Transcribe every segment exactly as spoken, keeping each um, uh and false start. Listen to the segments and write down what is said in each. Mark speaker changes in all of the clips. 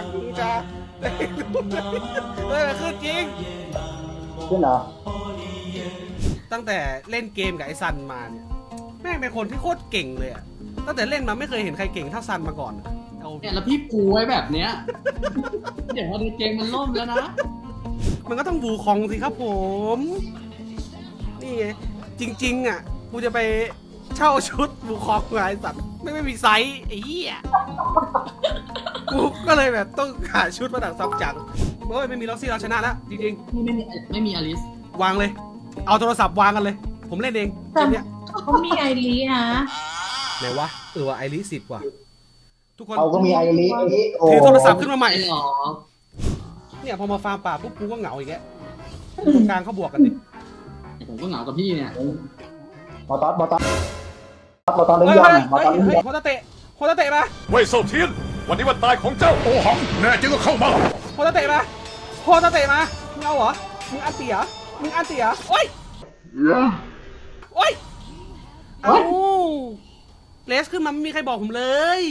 Speaker 1: กูจะเฮ้ยมันขึ้นจริง
Speaker 2: ขึ้นเหรอ
Speaker 1: ตั้งแต่เล่นเกมกับไอ้ซันมาเนี่ยแม่งเป็นคนที่โคตรเก่งเลยอะตั้งแต่เล่นมาไม่เคยเห็นใครเก่งเท่าซันมาก่อนเอา
Speaker 3: เนี่ยแล้วพี่ปูไว้แบบเนี้ยเดี๋ยวพอในเกมมันล่มแล้วนะ
Speaker 1: มันก็ต้องบูคองสิครับผมนี่ไงจริงๆอ่ะกูจะไปเช่าชุดบูคองไอ้สัตว์ไม่ไม่มีไซส์ไอ้เหี้ยกูก็เลยแบบต้องหาชุดมาดักซับจังเฮ้ยไม่มีล็อกซี่เราชนะแล้วจริง
Speaker 3: ไม่ไม่มีไม่มีอลิส
Speaker 1: ๆวางเลย เอาโทรศัพท์วางกันเลย ผมเล่นเองเกมเนี้ย
Speaker 4: เขามีไอรีนะ
Speaker 1: ไหนวะเออวะไอริสิบว่ะทุกคน
Speaker 2: เอาก็มีไอริไอริโอ้
Speaker 1: ถือโทรศัพท์ขึ้นมาใหม่
Speaker 3: ไอ้หรอ
Speaker 1: เนี่ยพอมาฟาร์มป่าปุ๊บกูก็เหงาอีกแล้วตรงกลางเขาบวกกันดิ
Speaker 3: ผมก็เหงากับพี่เนี่ย
Speaker 2: มอตอสมอตอสมอตอสเล่น
Speaker 1: เฮ้ย
Speaker 2: ยอ
Speaker 1: เฮ้
Speaker 2: ม
Speaker 1: ย
Speaker 2: มอตอสเล่น
Speaker 1: เฮ้ย
Speaker 2: ยอม
Speaker 1: โคตรเตะโคตรเตะมา
Speaker 5: เว่ยเซาเทียน วันนี้วันตายของเจ้าโอหัง แน่จริงก็เข้ามา
Speaker 1: โคตรเตะมาโคตรเตะมามึงเอาเหรอมึงอันเตียมึงอันเตียโอ้ยโอ้ยเอาเลสขึ้นมาไม่มีใครบอกผมเลย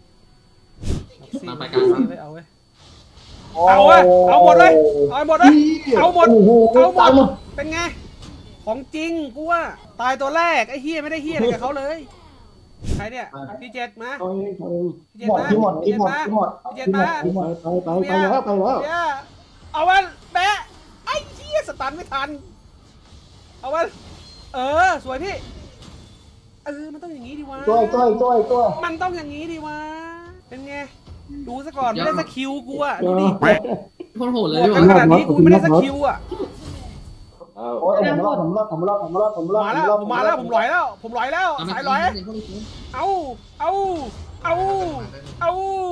Speaker 1: เอาเว้ยเอาเว้ยเอาหมดเลยเอาหมดเลยเอาหมดเอาหมดเป็นไงของจริงกูว่าตายตัวแรกไอ้เฮียไม่ได้เฮียอะไรกับเขาเลยใครเนี่ยพี่เจ็ดมา
Speaker 2: หมด
Speaker 1: พี่เจ็ดมา
Speaker 2: ที่หมดที่หมดที่หมด
Speaker 1: พี่เจ็ด
Speaker 2: ที่หม
Speaker 1: มา
Speaker 2: ดที่หมดไปไปไปแล้วไปแล้ว
Speaker 1: เนี่ยเอาวันแบะไอ้เหี้ยสตันไม่ทันเอาวันเออสวยพี่เออมันต้องอย่างนี้ดีวะ
Speaker 2: จ้อยจ้อยจ้อยจ้อย
Speaker 1: มันต้องอย่างนี้ดีวะเป็นไงดูซะก่อนไม่ได้สกิลกูอะดูดิ
Speaker 3: โคตรโหดเลย
Speaker 1: หมดกันขนาดนี้กูไม่ได้สกิลอะ
Speaker 2: โอ้ยผมรอดผมรอดผมรอดผมรอดผมรอด
Speaker 1: มาแล้วผมมาแล้วผมลอยแล้ว ผมลอยแล้วสายลอยเอาเอาเอาเอา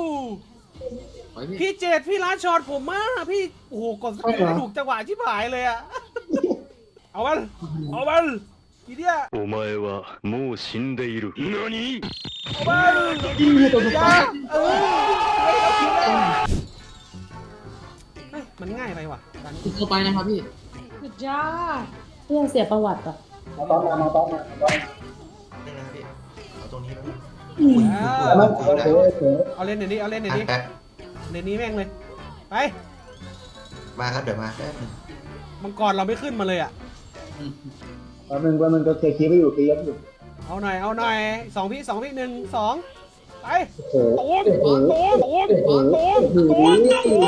Speaker 1: พี่เจดพี่ร้านช็อตผมมากพี่โอ้โหกดสกิลไม่ถูกจังหวะชิบหายเลยอะเอามันเอามันทีเดียว
Speaker 5: お前はもう死んでいる。何
Speaker 1: เอามันอย่าเออไม่เอาคิวเลยเฮ้ยมันง่ายไปว่ะ
Speaker 3: คุณเข้าไปนะครับพี่
Speaker 4: สุดยอดเพื่อเสียประวัติอ่ะ
Speaker 2: มาตอสมามาตอสมาตอส
Speaker 6: นี่นะพี่เอาตรงนี้แล้ว
Speaker 2: มันโอเคโอเค
Speaker 1: เอาเล่นเดี๋ยวนี้เอาเล่นเดี๋ยวนี้
Speaker 6: แป๊บ
Speaker 1: เดี๋ยวนี้แม่งเลยไป
Speaker 6: มาครับเดี๋ยวมาแป๊บนึง
Speaker 1: มังกรเราไม่ขึ้นมาเลยอ่ะ
Speaker 2: แป๊บนึงแป๊บนึงก็เคลียร์คีย์ไปอยู่เคลียร์อยู่
Speaker 1: เอาหน่อยเอาหน่อยสองพี่สองพี่หนึ่งสองไป
Speaker 2: โอ้โห
Speaker 1: โต้มโต้มโต้มโต้มโต้มโต้ม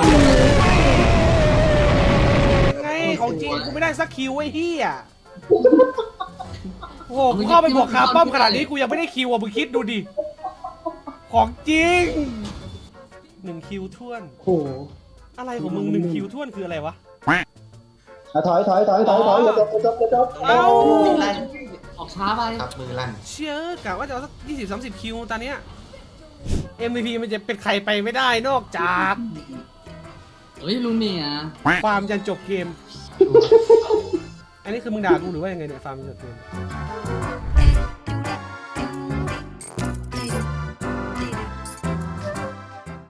Speaker 1: ไงของจริงกูไม่ได้สักคิวไอ้เหี้ยโอ้โหกูเข้าไปบวกคาป้อมขนาดนี้กูยังไม่ได้คิวอ่ะมึงคิดดูดิของจริงหนึ่งคิวท่วน
Speaker 2: โอ้โห
Speaker 1: อะไรของมึงหนึ่งคิวท่วนคืออะไรวะ
Speaker 2: ถอยถอยถอยถอยถอยอย่าจบอย่าจบอย่าจบ
Speaker 1: เอ้า
Speaker 6: ลั่น
Speaker 3: ออกช้าไป
Speaker 6: ครับมือลั่น
Speaker 1: เชื่อกะว่าจะเอาสักยี่สิบสามสิบคิวตอนเนี้ย เอ็ม วี พี มันจะเป็นใครไปไม่ได้นอกจาก
Speaker 3: เฮ้ยลุงเนี่ย
Speaker 1: ฟาร์มยันจบเกม อันนี้คือมึงด่ากูหรือว่ายังไงเนี่ยฟาร์มยันจบเกม